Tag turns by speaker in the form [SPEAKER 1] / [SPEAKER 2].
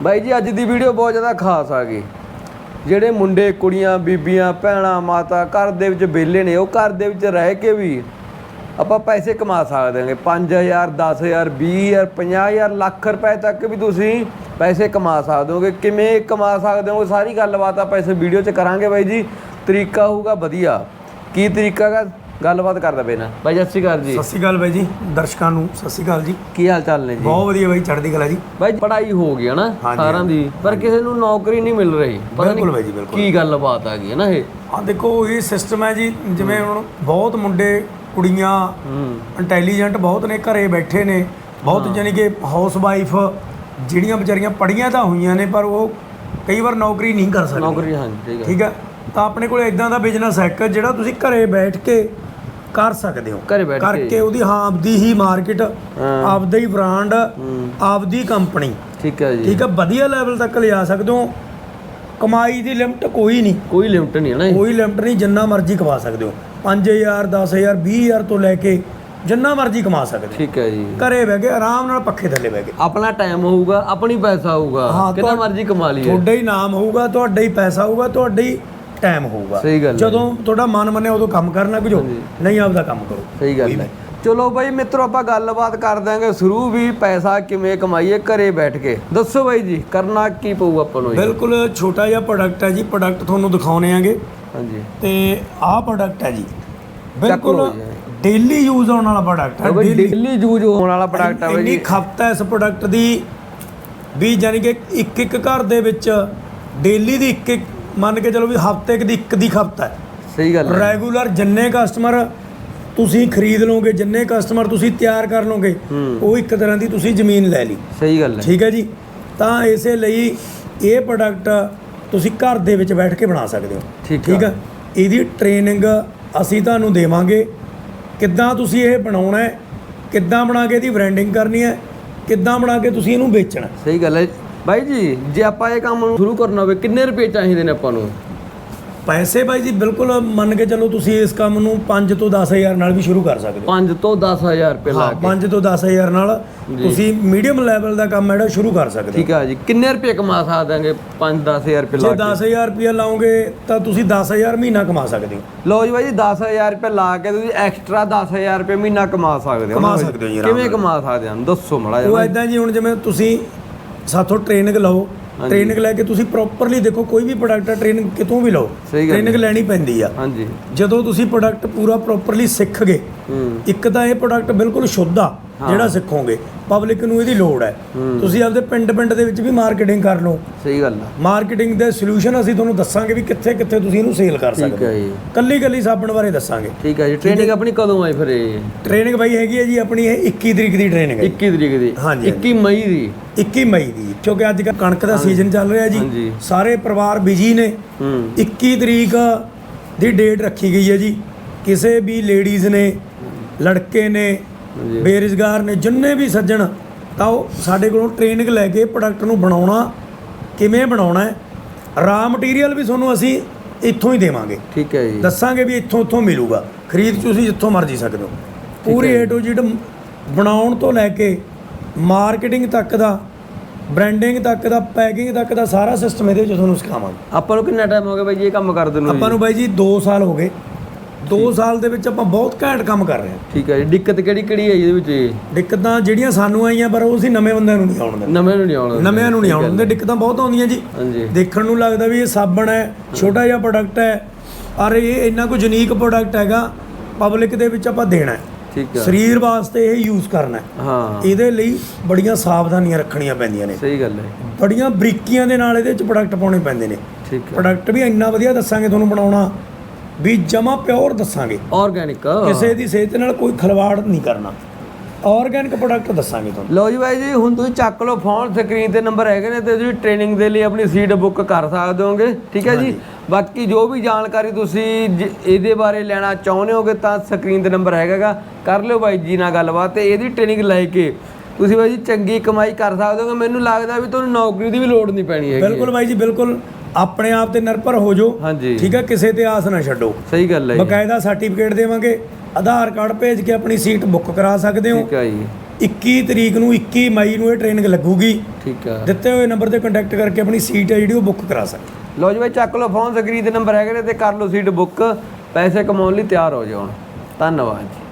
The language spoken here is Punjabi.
[SPEAKER 1] ਬਾਈ ਜੀ ਅੱਜ ਦੀ ਵੀਡੀਓ ਬਹੁਤ ਜ਼ਿਆਦਾ ਖਾਸ ਆ ਗਈ। ਜਿਹੜੇ ਮੁੰਡੇ ਕੁੜੀਆਂ ਬੀਬੀਆਂ ਭੈਣਾਂ ਮਾਤਾ ਘਰ ਦੇ ਵਿੱਚ ਵਿਹਲੇ ਨੇ, ਉਹ ਘਰ ਦੇ ਵਿੱਚ ਰਹਿ ਕੇ ਵੀ ਆਪਾਂ ਪੈਸੇ ਕਮਾ ਸਕਦੇ ਹਾਂਗੇ। 5000 10000 20000 50000 ਲੱਖ ਰੁਪਏ ਤੱਕ ਵੀ ਤੁਸੀਂ ਪੈਸੇ ਕਮਾ ਸਕਦੇ ਹੋਗੇ। ਕਿਵੇਂ ਕਮਾ ਸਕਦੇ ਹੋ ਸਾਰੀ ਗੱਲਬਾਤ ਆਪਾਂ ਇਸ ਵੀਡੀਓ 'ਚ ਕਰਾਂਗੇ ਬਾਈ ਜੀ। ਤਰੀਕਾ ਹੋਊਗਾ ਵਧੀਆ। ਕੀ ਤਰੀਕਾ ਹੈਗਾ ਗੱਲਬਾਤ ਕਰਦਾ ਪਏ ਨਾ ਬਾਈ। ਸਤਿ ਸ਼੍ਰੀ ਅਕਾਲ ਜੀ।
[SPEAKER 2] ਸਤਿ ਸ਼੍ਰੀ ਅਕਾਲ ਬਾਈ ਜੀ, ਦਰਸ਼ਕਾਂ ਨੂੰ ਸਤਿ ਸ਼੍ਰੀ ਅਕਾਲ ਜੀ।
[SPEAKER 1] ਕੀ ਹਾਲ ਚਾਲ ਨੇ ਜੀ?
[SPEAKER 2] ਬਹੁਤ ਵਧੀਆ ਬਾਈ, ਚੜ੍ਹਦੀ ਕਲਾ ਜੀ।
[SPEAKER 1] ਬਾਈ ਪੜ੍ਹਾਈ ਹੋ ਗਈ ਹੈ ਨਾ ਸਾਰਿਆਂ ਦੀ, ਪਰ ਕਿਸੇ ਨੂੰ ਨੌਕਰੀ ਨਹੀਂ ਮਿਲ ਰਹੀ।
[SPEAKER 2] ਬਿਲਕੁਲ ਬਾਈ ਜੀ, ਬਿਲਕੁਲ।
[SPEAKER 1] ਕੀ ਗੱਲਬਾਤ ਆ ਗਈ ਹੈ ਨਾ ਇਹ?
[SPEAKER 2] ਹਾਂ ਦੇਖੋ, ਇਹ ਸਿਸਟਮ ਹੈ ਜੀ। ਜਿਵੇਂ ਹੁਣ ਬਹੁਤ ਮੁੰਡੇ ਕੁੜੀਆਂ ਇੰਟੈਲੀਜੈਂਟ ਬਹੁਤ ਨੇ, ਘਰੇ ਬੈਠੇ ਨੇ ਬਹੁਤ, ਯਾਨੀ ਕਿ ਹਾਊਸ ਵਾਈਫ ਜਿਹੜੀਆਂ ਵਿਚਾਰੀਆਂ ਪੜ੍ਹੀਆਂ ਤਾਂ ਹੋਈਆਂ ਨੇ ਪਰ ਉਹ ਕਈ ਵਾਰ ਨੌਕਰੀ ਨਹੀਂ ਕਰ ਸਕਦੀਆਂ।
[SPEAKER 1] ਨੌਕਰੀ, ਹਾਂ
[SPEAKER 2] ਠੀਕ ਹੈ। ਤਾਂ ਆਪਣੇ ਕੋਲ ਇਦਾਂ ਦਾ ਬਿਜ਼ਨਸ ਹੈ ਜਿਹੜਾ ਤੁਸੀਂ ਘਰੇ ਬੈਠ ਕੇ ਕਰ ਸਕਦੇ ਹੋ।
[SPEAKER 1] ਘਰੇ ਬੈਠ
[SPEAKER 2] ਕਰਕੇ ਉਹਦੀ ਆਪਦੀ ਹੀ ਮਾਰਕੀਟ, ਆਪਦਾ ਹੀ ਬ੍ਰਾਂਡ, ਆਪਦੀ ਕੰਪਨੀ,
[SPEAKER 1] ਠੀਕ ਹੈ ਜੀ,
[SPEAKER 2] ਠੀਕ ਹੈ, ਵਧੀਆ ਲੈਵਲ ਤੱਕ ਲਿਜਾ ਸਕਦੇ ਹੋ। ਕਮਾਈ ਦੀ ਲਿਮਟ ਕੋਈ ਨਹੀਂ,
[SPEAKER 1] ਕੋਈ ਲਿਮਟ ਨਹੀਂ ਹੈ ਨਾ,
[SPEAKER 2] ਕੋਈ ਲਿਮਟ ਨਹੀਂ। ਜਿੰਨਾ ਮਰਜ਼ੀ ਕਮਾ ਸਕਦੇ ਹੋ। 5000 10000 20000 ਤੋਂ ਲੈ ਕੇ ਜਿੰਨਾ ਮਰਜ਼ੀ ਕਮਾ ਸਕਦੇ ਹੋ।
[SPEAKER 1] ਠੀਕ ਹੈ ਜੀ।
[SPEAKER 2] ਘਰੇ ਬਹਿ ਕੇ ਆਰਾਮ ਨਾਲ ਪੱਖੇ ਥੱਲੇ ਬਹਿ ਕੇ
[SPEAKER 1] ਆਪਣਾ ਟਾਈਮ ਹੋਊਗਾ, ਆਪਣੀ ਪੈਸਾ ਹੋਊਗਾ, ਕਿੰਨਾ ਮਰਜ਼ੀ ਕਮਾ ਲਈਏ।
[SPEAKER 2] ਤੁਹਾਡਾ ਹੀ ਨਾਮ ਹੋਊਗਾ, ਤੁਹਾਡਾ ਹੀ ਪੈਸਾ ਹੋਊਗਾ, ਤੁਹਾਡਾ ਹੀ ਟਾਈਮ ਹੋਊਗਾ।
[SPEAKER 1] ਸਹੀ ਗੱਲ।
[SPEAKER 2] ਜਦੋਂ ਤੁਹਾਡਾ ਮਨ ਮੰਨਿਆ ਉਦੋਂ ਕੰਮ ਕਰਨਾ, ਕੁਝੋ ਨਹੀਂ ਆਪਦਾ ਕੰਮ ਕਰੋ।
[SPEAKER 1] ਸਹੀ ਗੱਲ ਹੈ। ਚਲੋ ਬਾਈ ਮਿੱਤਰੋ, ਆਪਾਂ ਗੱਲਬਾਤ ਕਰ ਦਾਂਗੇ ਸ਼ੁਰੂ ਵੀ ਪੈਸਾ ਕਿਵੇਂ ਕਮਾਈਏ ਘਰੇ ਬੈਠ ਕੇ। ਦੱਸੋ ਬਾਈ ਜੀ, ਕਰਨਾ ਕੀ ਪਊ ਆਪਾਂ ਨੂੰ?
[SPEAKER 2] ਬਿਲਕੁਲ ਛੋਟਾ ਜਿਹਾ ਪ੍ਰੋਡਕਟ ਹੈ ਜੀ। ਪ੍ਰੋਡਕਟ ਤੁਹਾਨੂੰ ਦਿਖਾਉਣੇ ਆਂਗੇ।
[SPEAKER 1] ਹਾਂਜੀ।
[SPEAKER 2] ਤੇ ਆਹ ਪ੍ਰੋਡਕਟ ਹੈ ਜੀ, ਬਿਲਕੁਲ ਡੇਲੀ ਯੂਜ਼ ਹੋਣ ਵਾਲਾ ਪ੍ਰੋਡਕਟ ਹੈ।
[SPEAKER 1] ਡੇਲੀ ਯੂਜ਼ ਹੋਣ ਵਾਲਾ ਪ੍ਰੋਡਕਟ ਹੈ ਬਾਈ ਜੀ।
[SPEAKER 2] ਇੰਨੀ ਖਪਤ ਹੈ ਇਸ ਪ੍ਰੋਡਕਟ ਦੀ ਵੀ, ਯਾਨੀ ਕਿ ਇੱਕ ਘਰ ਦੇ ਵਿੱਚ ਡੇਲੀ ਦੀ ਇੱਕ ਮੰਨ ਕੇ ਚਲੋ ਵੀ ਹਫ਼ਤੇ ਦੀ ਇੱਕ ਦੀ ਖਪਤ ਹੈ।
[SPEAKER 1] ਸਹੀ ਗੱਲ ਹੈ।
[SPEAKER 2] ਰੈਗੂਲਰ ਜਿੰਨੇ ਕਸਟਮਰ ਤੁਸੀਂ ਖਰੀਦ ਲਓਗੇ, ਜਿੰਨੇ ਕਸਟਮਰ ਤੁਸੀਂ ਤਿਆਰ ਕਰ ਲਓਗੇ, ਉਹ ਇੱਕ ਤਰ੍ਹਾਂ ਦੀ ਤੁਸੀਂ ਜ਼ਮੀਨ ਲੈ ਲਈ।
[SPEAKER 1] ਸਹੀ ਗੱਲ ਹੈ।
[SPEAKER 2] ਠੀਕ ਹੈ ਜੀ। ਤਾਂ ਇਸੇ ਲਈ ਇਹ ਪ੍ਰੋਡਕਟ ਤੁਸੀਂ ਘਰ ਦੇ ਵਿੱਚ ਬੈਠ ਕੇ ਬਣਾ ਸਕਦੇ ਹੋ। ਠੀਕ ਹੈ। ਇਹਦੀ ਟ੍ਰੇਨਿੰਗ ਅਸੀਂ ਤੁਹਾਨੂੰ ਦੇਵਾਂਗੇ। ਕਿੱਦਾਂ ਤੁਸੀਂ ਇਹ ਬਣਾਉਣਾ ਹੈ, ਕਿੱਦਾਂ ਬਣਾ ਕੇ ਇਹਦੀ ਬ੍ਰਾਂਡਿੰਗ ਕਰਨੀ ਹੈ, ਕਿੱਦਾਂ ਬਣਾ ਕੇ ਤੁਸੀਂ ਇਹਨੂੰ ਵੇਚਣਾ।
[SPEAKER 1] ਸਹੀ ਗੱਲ ਹੈ ਬਾਈ ਜੀ। ਜੇ ਆਪਾਂ ਇਹ ਕੰਮ ਨੂੰ ਸ਼ੁਰੂ ਕਰਨਾ ਹੋਵੇ ਕਿੰਨੇ ਰੁਪਏ ਚਾਹੀਦੇ ਨੇ ਆਪਾਂ ਨੂੰ? ਪੈਸੇ
[SPEAKER 2] ਬਾਈ ਜੀ ਬਿਲਕੁਲ ਮੰਨ ਕੇ ਚੱਲੋ, ਤੁਸੀਂ ਇਸ ਕੰਮ ਨੂੰ 5 ਤੋਂ 10000 ਨਾਲ ਵੀ ਸ਼ੁਰੂ ਕਰ ਸਕਦੇ ਹੋ।
[SPEAKER 1] 5 ਤੋਂ 10000 ਰੁਪਏ ਲਾ ਕੇ?
[SPEAKER 2] 5 ਤੋਂ 10000 ਨਾਲ ਤੁਸੀਂ ਮੀਡੀਅਮ ਲੈਵਲ ਦਾ ਕੰਮ ਜਿਹੜਾ ਸ਼ੁਰੂ ਕਰ ਸਕਦੇ ਹੋ।
[SPEAKER 1] ਠੀਕ ਹੈ ਜੀ। ਕਿੰਨੇ ਰੁਪਏ ਕਮਾ ਸਕਦੇ 5-10000 ਰੁਪਏ ਲਾ ਕੇ?
[SPEAKER 2] ਜੇ 10000 ਰੁਪਏ ਲਾਓਗੇ ਤਾਂ ਤੁਸੀਂ 10000 ਮਹੀਨਾ ਕਮਾ ਸਕਦੇ ਹੋ।
[SPEAKER 1] ਲਓ ਜੀ ਬਾਈ ਜੀ, 10000 ਰੁਪਏ ਲਾ ਕੇ ਤੁਸੀਂ ਐਕਸਟਰਾ 10000 ਰੁਪਏ ਮਹੀਨਾ ਕਮਾ ਸਕਦੇ ਹੋ।
[SPEAKER 2] ਕਮਾ ਸਕਦੇ ਹੋ ਜੀ।
[SPEAKER 1] ਕਿਵੇਂ ਕਮਾ ਸਕਦੇ ਹੋ ਦੱਸੋ ਮਾੜਾ ਜਿਹਾ।
[SPEAKER 2] ਉਹ ਇਦਾਂ ਜੀ, ਹੁਣ ਜਿਵੇਂ ਤੁਸੀਂ ਸਾਥੋਂ ਟ੍ਰੇਨਿੰਗ ਲਓ, ਟ੍ਰੇਨਿੰਗ ਲੈ ਕੇ ਤੁਸੀਂ ਪ੍ਰੋਪਰਲੀ ਦੇਖੋ, ਕੋਈ ਵੀ ਪ੍ਰੋਡਕਟ ਹੈ ਟ੍ਰੇਨਿੰਗ ਕਿਤੋਂ ਵੀ ਲਓ, ਟ੍ਰੇਨਿੰਗ ਲੈਣੀ ਪੈਂਦੀ ਆ।
[SPEAKER 1] ਹਾਂਜੀ।
[SPEAKER 2] ਜਦੋਂ ਤੁਸੀਂ ਪ੍ਰੋਡਕਟ ਪੂਰਾ ਪ੍ਰੋਪਰਲੀ ਸਿੱਖ ਗਏ, ਇੱਕ ਤਾਂ ਇਹ ਪ੍ਰੋਡਕਟ ਬਿਲਕੁਲ ਸ਼ੁੱਧ ਆ ਜਿਹੜਾ ਸਿੱਖੋਗੇ, ਪਬਲਿਕ ਨੂੰ ਇਹਦੀ ਲੋੜ ਹੈ। ਤੁਸੀਂ ਆਪਦੇ ਪਿੰਡ ਦੇ ਵਿੱਚ ਵੀ ਮਾਰਕੀਟਿੰਗ ਕਰ ਲਓ।
[SPEAKER 1] ਸਹੀ ਗੱਲ ਹੈ।
[SPEAKER 2] ਮਾਰਕੀਟਿੰਗ ਦੇ ਸੋਲੂਸ਼ਨ ਅਸੀਂ ਤੁਹਾਨੂੰ ਦੱਸਾਂਗੇ ਵੀ ਕਿੱਥੇ ਕਿੱਥੇ ਤੁਸੀਂ ਇਹਨੂੰ ਸੇਲ ਕਰ ਸਕਦੇ ਹੋ। ਕੱਲੀ ਸਾਬਣ ਬਾਰੇ ਦੱਸਾਂਗੇ।
[SPEAKER 1] ਠੀਕ ਹੈ ਜੀ। ਟ੍ਰੇਨਿੰਗ ਆਪਣੀ ਕਦੋਂ ਆਈ ਫਿਰ? ਇਹ
[SPEAKER 2] ਟ੍ਰੇਨਿੰਗ ਬਾਈ ਹੈਗੀ ਹੈ ਜੀ ਆਪਣੀ, ਇਹ 21 ਤਰੀਕ ਦੀ ਟ੍ਰੇਨਿੰਗ ਹੈ।
[SPEAKER 1] 21 ਤਰੀਕ ਦੀ?
[SPEAKER 2] ਹਾਂਜੀ।
[SPEAKER 1] 21 ਮਈ ਦੀ?
[SPEAKER 2] 21 ਮਈ ਦੀ, ਕਿਉਂਕਿ ਅੱਜ ਕੱਲ੍ਹ ਕਣਕ ਦਾ ਸੀਜ਼ਨ ਚੱਲ ਰਿਹਾ ਜੀ, ਸਾਰੇ ਪਰਿਵਾਰ ਬਿਜੀ ਨੇ। 21 ਤਰੀਕ ਦੀ ਡੇਟ ਰੱਖੀ ਗਈ ਹੈ ਜੀ। ਕਿਸੇ ਵੀ ਲੇਡੀਜ਼ ਨੇ, ਲੜਕੇ ਨੇ, ਬੇਰੁਜ਼ਗਾਰ ਨੇ, ਜਿੰਨੇ ਵੀ ਸੱਜਣ, ਤਾਂ ਉਹ ਸਾਡੇ ਕੋਲੋਂ ਟ੍ਰੇਨਿੰਗ ਲੈ ਕੇ ਪ੍ਰੋਡਕਟ ਨੂੰ ਬਣਾਉਣਾ, ਕਿਵੇਂ ਬਣਾਉਣਾ ਹੈ, ਰਾ ਮਟੀਰੀਅਲ ਵੀ ਤੁਹਾਨੂੰ ਅਸੀਂ ਇੱਥੋਂ ਹੀ ਦੇਵਾਂਗੇ।
[SPEAKER 1] ਠੀਕ ਹੈ ਜੀ।
[SPEAKER 2] ਦੱਸਾਂਗੇ ਵੀ ਇੱਥੋਂ ਮਿਲੂਗਾ, ਖਰੀਦ ਤੁਸੀਂ ਜਿੱਥੋਂ ਮਰਜ਼ੀ ਸਕਦੇ ਹੋ। ਪੂਰੀ A to Z ਬਣਾਉਣ ਤੋਂ ਲੈ ਕੇ ਮਾਰਕੀਟਿੰਗ ਤੱਕ ਦਾ, ਬ੍ਰਾਂਡਿੰਗ ਤੱਕ ਦਾ, ਪੈਕਿੰਗ ਤੱਕ ਦਾ ਸਾਰਾ ਸਿਸਟਮ ਇਹਦੇ ਵਿੱਚ ਤੁਹਾਨੂੰ ਸਿਖਾਵਾਂਗੇ।
[SPEAKER 1] ਆਪਾਂ ਨੂੰ ਕਿੰਨਾ ਟਾਈਮ ਹੋ ਗਿਆ ਬਾਈ ਜੀ ਇਹ ਕੰਮ ਕਰਦੇ ਨੂੰ?
[SPEAKER 2] ਆਪਾਂ ਨੂੰ ਬਾਈ ਜੀ 2 ਸਾਲ ਹੋ ਗਏ। 2 ਸਾਲ ਦੇ ਵਿੱਚ ਆਪਾਂ ਬਹੁਤ ਘੈਂਟ ਕੰਮ ਕਰ ਰਹੇ ਹਾਂ।
[SPEAKER 1] ਠੀਕ ਹੈ ਜੀ। ਦਿੱਕਤ ਕਿਹੜੀ ਹੈ ਇਹਦੇ ਵਿੱਚ?
[SPEAKER 2] ਦਿੱਕਤਾਂ ਜਿਹੜੀਆਂ ਸਾਨੂੰ ਆਈਆਂ, ਪਰ ਉਹ ਅਸੀਂ ਨਵੇਂ ਬੰਦਿਆਂ ਨੂੰ ਨਹੀਂ ਆਉਣ ਦਿੰਦੇ।
[SPEAKER 1] ਨਵੇਂ ਨੂੰ ਨਹੀਂ ਆਉਣ ਦਿੰਦੇ।
[SPEAKER 2] ਦਿੱਕਤਾਂ ਬਹੁਤ ਆਉਂਦੀਆਂ ਜੀ।
[SPEAKER 1] ਹਾਂਜੀ।
[SPEAKER 2] ਦੇਖਣ ਨੂੰ ਲੱਗਦਾ ਵੀ ਇਹ ਸਾਬਣ ਹੈ, ਛੋਟਾ ਜਿਹਾ ਪ੍ਰੋਡਕਟ ਹੈ, ਪਰ ਇਹ ਇੰਨਾ ਕੁ ਯੂਨੀਕ ਪ੍ਰੋਡਕਟ ਹੈਗਾ, ਪਬਲਿਕ ਦੇ ਵਿੱਚ ਆਪਾਂ ਦੇਣਾ ਹੈ।
[SPEAKER 1] ਠੀਕ ਹੈ।
[SPEAKER 2] ਸਰੀਰ ਵਾਸਤੇ ਇਹ ਯੂਜ਼ ਕਰਨਾ ਹੈ।
[SPEAKER 1] ਹਾਂ।
[SPEAKER 2] ਇਹਦੇ ਲਈ ਬੜੀਆਂ ਸਾਵਧਾਨੀਆਂ ਰੱਖਣੀਆਂ ਪੈਂਦੀਆਂ ਨੇ।
[SPEAKER 1] ਸਹੀ ਗੱਲ ਹੈ।
[SPEAKER 2] ਬੜੀਆਂ ਬਰੀਕੀਆਂ ਦੇ ਨਾਲ ਇਹਦੇ ਵਿੱਚ ਪ੍ਰੋਡਕਟ ਪਾਉਣੇ ਪੈਂਦੇ ਨੇ।
[SPEAKER 1] ਠੀਕ ਹੈ।
[SPEAKER 2] ਪ੍ਰੋਡਕਟ ਵੀ ਇੰਨਾ ਵਧੀਆ ਦੱਸਾਂਗੇ ਤੁਹਾਨੂੰ ਬਣਾਉਣਾ, ਵੀ ਜਮਾ ਪਿਓਰ ਦੱਸਾਂਗੇ,
[SPEAKER 1] ਆਰਗੈਨਿਕ,
[SPEAKER 2] ਕਿਸੇ ਦੀ ਸਿਹਤ ਨਾਲ ਕੋਈ ਖਿਲਵਾੜ ਨਹੀਂ ਕਰਨਾ, ਆਰਗੈਨਿਕ ਪ੍ਰੋਡਕਟ ਦੱਸਾਂਗੇ ਤੁਹਾਨੂੰ।
[SPEAKER 1] ਲਓ ਜੀ ਬਾਈ ਜੀ, ਹੁਣ ਤੁਸੀਂ ਚੱਕ ਲਓ ਫੋਨ, ਸਕਰੀਨ ਤੇ ਨੰਬਰ ਹੈਗੇ ਨੇ, ਤੇ ਤੁਸੀਂ ਟ੍ਰੇਨਿੰਗ ਦੇ ਲਈ ਆਪਣੀ ਸੀਟ ਬੁੱਕ ਕਰ ਸਕਦੇ ਹੋਗੇ। ਠੀਕ ਹੈ ਜੀ। ਬਾਕੀ ਜੋ ਵੀ ਜਾਣਕਾਰੀ ਤੁਸੀਂ ਇਹਦੇ ਬਾਰੇ ਲੈਣਾ ਚਾਹੁੰਦੇ ਹੋਗੇ ਤਾਂ ਸਕਰੀਨ ਤੇ ਨੰਬਰ ਹੈਗਾ, ਕਰ ਲਿਓ ਬਾਈ ਜੀ ਨਾਲ ਗੱਲਬਾਤ, ਤੇ ਇਹਦੀ ਟ੍ਰੇਨਿੰਗ ਲੈ ਕੇ ਤੁਸੀਂ ਬਾਈ ਜੀ ਚੰਗੀ ਕਮਾਈ ਕਰ ਸਕਦੇ ਹੋਗੇ। ਮੈਨੂੰ ਲੱਗਦਾ ਵੀ ਤੁਹਾਨੂੰ ਨੌਕਰੀ ਦੀ ਵੀ ਲੋੜ ਨਹੀਂ ਪੈਣੀ ਹੈਗੀ।
[SPEAKER 2] ਬਿਲਕੁਲ ਬਾਈ ਜੀ, ਬਿਲਕੁਲ ਆਪਣੇ ਆਪ ਤੇ ਨਿਰਭਰ ਹੋ ਜਾਓ।
[SPEAKER 1] ਹਾਂਜੀ।
[SPEAKER 2] ਠੀਕ ਹੈ, ਕਿਸੇ ਤੇ ਆਸ ਨਾ ਛੱਡੋ।
[SPEAKER 1] ਸਹੀ ਗੱਲ ਹੈ।
[SPEAKER 2] ਬਕਾਇਦਾ ਸਰਟੀਫਿਕੇਟ ਦੇਵਾਂਗੇ, ਆਧਾਰ ਕਾਰਡ ਭੇਜ ਕੇ ਆਪਣੀ ਸੀਟ ਬੁੱਕ ਕਰਾ ਸਕਦੇ ਹੋ।
[SPEAKER 1] ਠੀਕ ਹੈ ਜੀ।
[SPEAKER 2] 21 ਤਰੀਕ ਨੂੰ 21 ਮਈ ਨੂੰ ਇਹ ਟ੍ਰੇਨਿੰਗ ਲੱਗੂਗੀ।
[SPEAKER 1] ਠੀਕ ਆ,
[SPEAKER 2] ਦਿੱਤੇ ਹੋਏ ਨੰਬਰ ਤੇ ਕੰਟੈਕਟ ਕਰਕੇ ਆਪਣੀ ਸੀਟ ਹੈ ਜਿਹੜੀ ਉਹ ਬੁੱਕ ਕਰਾ ਸਕਦੇ।
[SPEAKER 1] ਲਓ ਜੀ ਬਾਈ ਚੱਕ ਲਓ ਫੋਨ, ਸਕਰੀਨ ਤੇ ਨੰਬਰ ਹੈਗੇ ਨੇ ਤੇ ਕਰ ਲਓ ਸੀਟ ਬੁੱਕ, ਪੈਸੇ ਕਮਾਉਣ ਲਈ ਤਿਆਰ ਹੋ ਜਾਓ। ਧੰਨਵਾਦ ਜੀ।